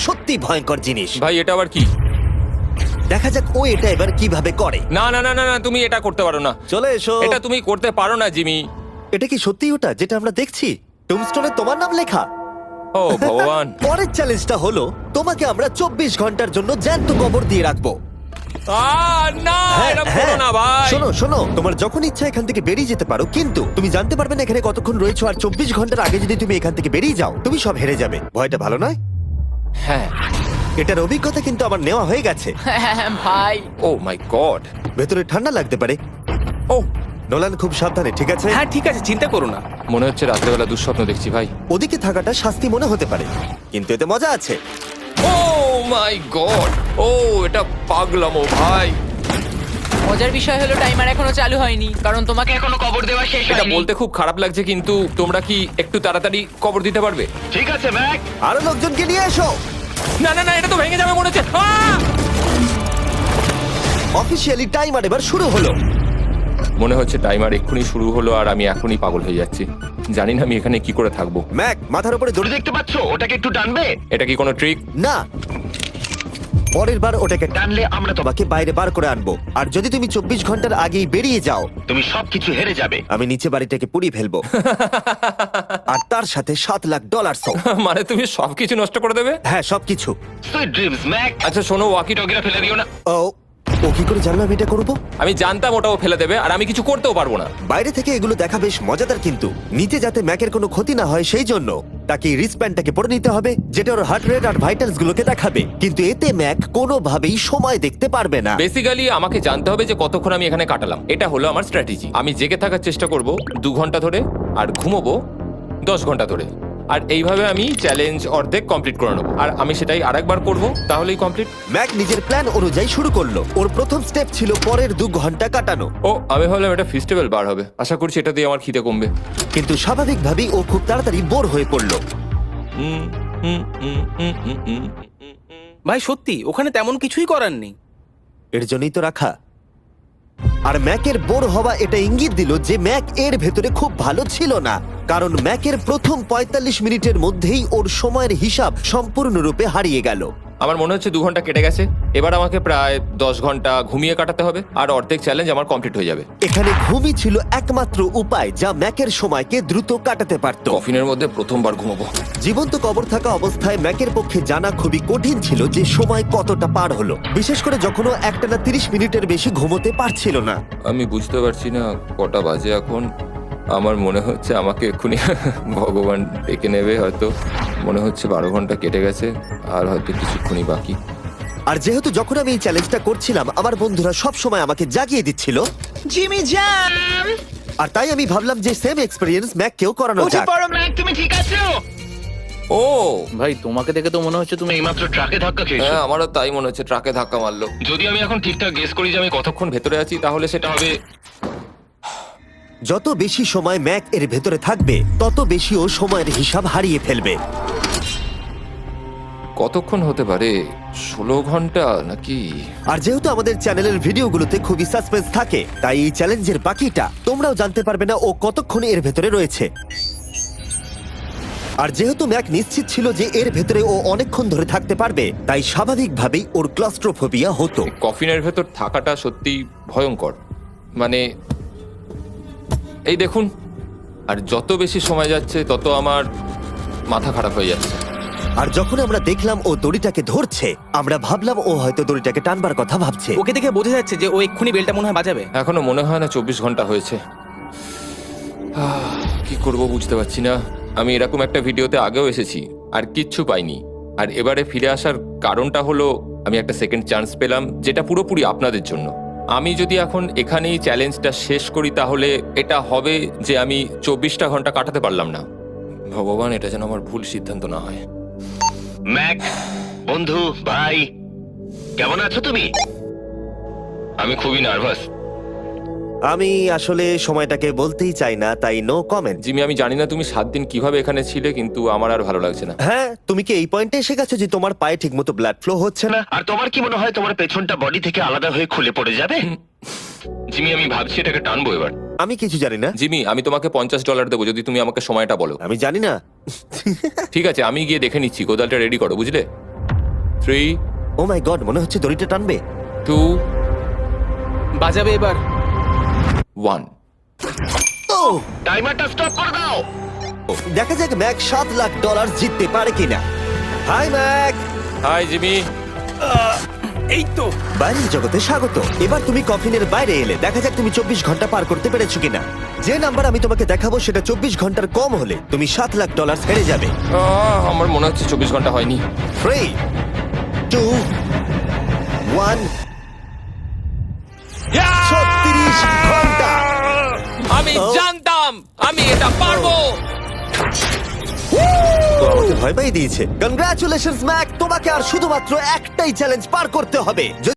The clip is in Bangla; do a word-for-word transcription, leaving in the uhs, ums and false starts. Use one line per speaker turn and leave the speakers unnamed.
সত্যি ভয়ঙ্কর জিনিস।
ভাই এটা আবার কি?
দেখা যাক ও এটা এবার কিভাবে করে।
না না না না না, তুমি এটা করতে পারো না।
চলে এসো।
এটা তুমি করতে পারো না জিমি।
এটা কি সত্যি ওটা যেটা আমরা দেখছি? টুমস্টোনে তোমার নাম লেখা।
ও ভগবান।
পরের চ্যালেঞ্জটা হলো তোমাকে আমরা চব্বিশ ঘন্টার জন্য জ্যান্ত কবর দিয়ে রাখবো।
আহ, না
হ্যাঁ,
এটা
হ্যাঁ।
করো না ভাই।
শোনো শোনো, তোমার যখন ইচ্ছা এখান থেকে বেরিয়ে যেতে পারো, কিন্তু তুমি জানতে পারবে না এখানে কতক্ষণ রয়েছো। আর চব্বিশ ঘন্টার আগে যদি তুমি এখান থেকে বেরিয়ে যাও, তুমি সব হেরে যাবে। ভয়টা ভালো নয়?
হ্যাঁ।
এটার অভিজ্ঞতা কিন্তু আমার নেওয়া হয়ে গেছে।
ভাই
ও মাই গড।
ভেতরে ঠান্ডা লাগতে পারে।
ও
নোলান খুব সাবধানে, ঠিক আছে?
হ্যাঁ ঠিক আছে, চিন্তা করো না।
মনে হচ্ছে রাত্রেবেলা দুঃস্বপ্ন দেখছি ভাই।
ওদিকে থাকাটা শাস্তি মনে হতে পারে, কিন্তু এতে মজা আছে।
ও মাই গড। ও এটা পাগলামো ভাই।
মজার বিষয় হলো টাইমার এখনো চালু হয়নি, কারণ তোমাকে এখনো কবর দেওয়া শেষ
এটা
হয়নি।
বলতে খুব খারাপ লাগছে, কিন্তু তোমরা কি একটু তাড়াতাড়ি কবর দিতে পারবে?
ঠিক আছে ম্যাক।
আরো লোকজনকে নিয়ে এসো।
না না না, এটা তো ভেঙে যাবে মনে হচ্ছে। আহ!
অফিসিয়ালি টাইমার এবার শুরু হলো।
মনে হচ্ছে টাইমার এক্ষুনি শুরু হলো আর আমি এখনই পাগল হয়ে যাচ্ছি। জানি না আমি এখানে কি করে থাকবো।
ম্যাক, মাথার উপরে দড়ি।
দড়ি দেখতে পাচ্ছো? ওটাকে একটু টানবে।
এটা কি কোনো ট্রিক?
না, পরের বার ওটাকে
টানলে আমরা তো
তোমাকে বাইরে বার করে আনবো। আর যদি তুমি চব্বিশ ঘন্টার আগেই বেরিয়ে যাও,
তুমি সবকিছু হেরে যাবে।
আমি নিচে বাড়িটাকে পুড়িয়ে ফেলবো। আর তার সাথে সাত লাখ ডলার।
মানে তুমি সবকিছু নষ্ট করে দেবে?
হ্যাঁ, সবকিছু।
Sweet dreams Mac.
আচ্ছা শোনো, ওয়াকি
টগিরা ফেলে দিও না।
ও ও কি করে জানলো আমি এটা করবো?
আমি জানতাম ওটাও ফেলে দেবে আর আমি কিছু করতেও পারবো না।
বাইরে থেকে এগুলো দেখা বেশ মজাদার, কিন্তু নিচে যাতে ম্যাকের কোনো ক্ষতি না হয় সেই জন্য তাকে রিস্টব্যান্ডটাকে পরে নিতে হবে, যেটা ওর হার্ট রেট আর ভাইটালস গুলোকে দেখাবে। কিন্তু এতে ম্যাক কোনোভাবেই সময় দেখতে পারবে না।
বেসিক্যালি আমাকে জানতে হবে যে কতক্ষণ আমি এখানে কাটালাম। এটা হলো আমার স্ট্র্যাটেজি। আমি জেগে থাকার চেষ্টা করব দু ঘন্টা ধরে আর ঘুমোবো দশ ঘন্টা ধরে। আর এইভাবে আমি চ্যালেঞ্জ অর্ধেক কমপ্লিট করে নেবো। আর আমি সেটাই আরেকবার করবো, তাহলেই কমপ্লিট।
ম্যাক নিজের প্ল্যান অনুযায়ী শুরু করলো। ওর প্রথম স্টেপ ছিল পরের দু ঘন্টা কাটানো।
ও আমি ভাবলাম এটা ফেস্টিভ্যাল বার হবে। আশা করছি এটা দিয়ে আমার খিদে কমবে।
কিন্তু স্বাভাবিকভাবেই ও খুব তাড়াতাড়ি বোর হয়ে পড়লো।
হুম, হুম, হুম, হুম, হুম, হুম।
ভাই সত্যি ওখানে তেমন কিছুই করার নেই।
এর জন্যই তো রাখা। আর ম্যাকের বোর হওয়া এটা ইঙ্গিত দিল যে ম্যাক এর ভেতরে খুব ভালো ছিল না, কারণ ম্যাকের প্রথম পঁয়তাল্লিশ মিনিটের মধ্যেই ওর সময়ের হিসাব সম্পূর্ণরূপে হারিয়ে গেল।
আমার মনে হচ্ছে দু ঘন্টা কেটে গেছে। এবার আমাকে প্রায় দশ ঘন্টা ঘুমিয়ে কাটাতে হবে আর অর্ধেক চ্যালেঞ্জ আমার কমপ্লিট হয়ে যাবে।
এখানে ঘুমই ছিল একমাত্র উপায় যা ম্যাকের সময়কে দ্রুত কাটাতে পারত।
কফিনের মধ্যে প্রথমবার ঘুমাবো।
জীবন্ত কবর থাকা অবস্থায় ম্যাকের পক্ষে জানা খুবই কঠিন ছিল যে সময় কতটা পার হলো, বিশেষ করে যখন ও একটানা তিরিশ মিনিটের বেশি ঘুমোতে পারছিল না।
আমি বুঝতে পারছি না কটা বাজে এখন। আমার মনে হচ্ছে আমাকে এক্ষুনি ভগবান ডেকে নেবে হয়তো। মনে হচ্ছে বারো ঘন্টা কেটে গেছে আর হয়তো কিছুক্ষণই বাকি।
আর যেহেতু যখন আমি এই চ্যালেঞ্জটা করছিলাম আমার বন্ধুরা সব সময় আমাকে জাগিয়ে দিচ্ছিল,
জিমি জ্যাম
আর তাই আমি ভাবলাম যে সেম এক্সপেরিয়েন্স ম্যাককেও করানো
উঠে
যাক।
পড়ো।
ম্যাক তুমি ঠিক আছো?
ও
ভাই তোমাকে দেখে তো মনে হচ্ছে তুমি
এইমাত্র ট্রাকে ধাক্কা খেয়েছো।
হ্যাঁ, আমারও তাই মনে হচ্ছে। ট্রাকে ধাক্কা মারলো।
যদি আমি এখন ঠিকঠাক গেস করি যে আমি কতক্ষণ
কতক্ষণ ভেতরে আছি তাহলে সেটা হবে।
যত বেশি সময় ম্যাক এর ভেতরে থাকবে তত বেশি ও সময়ের হিসাব হারিয়ে ফেলবে।
কতক্ষণ হতে পারে? ষোলো ঘন্টা নাকি?
আর যেহেতু আমাদের চ্যানেলের ভিডিওগুলোতে খুবই সাসপেন্স থাকে, তাই এই চ্যালেঞ্জের বাকিটা তোমরাও জানতে পারবে না ও কতক্ষণ এর ভেতরে রয়েছে। আর যেহেতু ম্যাক নিশ্চিত ছিল যে এর ভেতরে ও অনেকক্ষণ ধরে থাকতে পারবে, তাই স্বাভাবিকভাবেই ওর ক্লস্ট্রোফোবিয়া হতো।
কফিনের ভেতর থাকাটা সত্যি ভয়ঙ্কর। মানে এই দেখুন, আর যত বেশি সময় যাচ্ছে তত আমার মাথা খারাপ হয়ে যাচ্ছে।
আর যখন আমরা দেখলাম ও দড়িটাকে ধরছে, আমরা ভাবলাম ও হয়তো দড়িটাকে টানবার কথা ভাবছে।
ওকে দেখে বোঝা যাচ্ছে যে ও এক্ষুনি বেলটা মনে হয় বাজাবে।
এখনো মনে হয় না চব্বিশ ঘন্টা হয়েছে। আহ, কি করব বুঝতে পারছি না। আমি এরকম একটা ভিডিওতে আগেও এসেছি আর কিচ্ছু পাইনি। আর এবারে ফিরে আসার কারণটা হলো আমি একটা সেকেন্ড চান্স পেলাম, যেটা পুরোপুরি আপনাদের জন্য। আমি যদি এখন এখানেই চ্যালেঞ্জটা শেষ করি তাহলে এটা হবে যে আমি চব্বিশটা ঘন্টা কাটাতে পারলাম না। ভগবান, এটা যেন আমার ভুল সিদ্ধান্ত না হয়।
ম্যাক বন্ধু ভাই, কেমন আছো তুমি? আমি খুবই নার্ভাস।
আমি আসলে সময়টাকে বলতেই চাই না, তাই নো কমেন্ট।
জিমি, আমি জানি না তুমি সাত দিন কিভাবে এখানে ছিলে, কিন্তু আমার আর ভালো লাগছে না।
হ্যাঁ, তুমি কি এই পয়েন্টে এসে গেছো যে তোমার পায়ে ঠিকমতো ব্লাড ফ্লো হচ্ছে না?
আর তোমার কি মনে হয় তোমার পেছনটা বডি থেকে আলাদা হয়ে খুলে পড়ে যাবে? জিমি, আমি ভাবছি এটাকে টানবো এবার।
আমি কিছু জানি না।
জিমি, আমি তোমাকে পঞ্চাশ ডলার দেবো যদি তুমি আমাকে সময়টা বলো।
আমি জানি না।
ঠিক আছে, আমি গিয়ে দেখে নিচ্ছি। কোদালটা রেডি করো, বুঝলে? থ্রি
ও মাই গড, মনে হচ্ছে দড়িটা টানবে।
টু
বাজাবে এবার।
ওয়ান।
ও
টাইমারটা স্টপ করে দাও।
দেখা যাক ম্যাক সাত লাখ ডলার জিততে পারে কিনা। Hi Mac,
hi Jimmy.
এই তো।
বাইরের জগতে স্বাগত। এবার তুমি কফিনের বাইরে এলে, দেখা যাক তুমি চব্বিশ ঘন্টা পার করতে পেরেছো কিনা। যে নাম্বার আমি তোমাকে দেখাবো সেটা চব্বিশ ঘন্টার কম হলে তুমি সাত লাখ ডলার হেরে যাবে।
আহ, আমার মনে হচ্ছে চব্বিশ ঘন্টা হয়নি।
থ্রি টু ওয়ান ছত্রিশ ঘন্টা।
আমি
Oh.
জানতাম আমি এটা পারবো।
ও আমাকে ভয় পাই দিয়েছে। কনগ্রাচুলেশনস ম্যাক, তোমাকে আর শুধুমাত্র একটাই চ্যালেঞ্জ পার করতে হবে।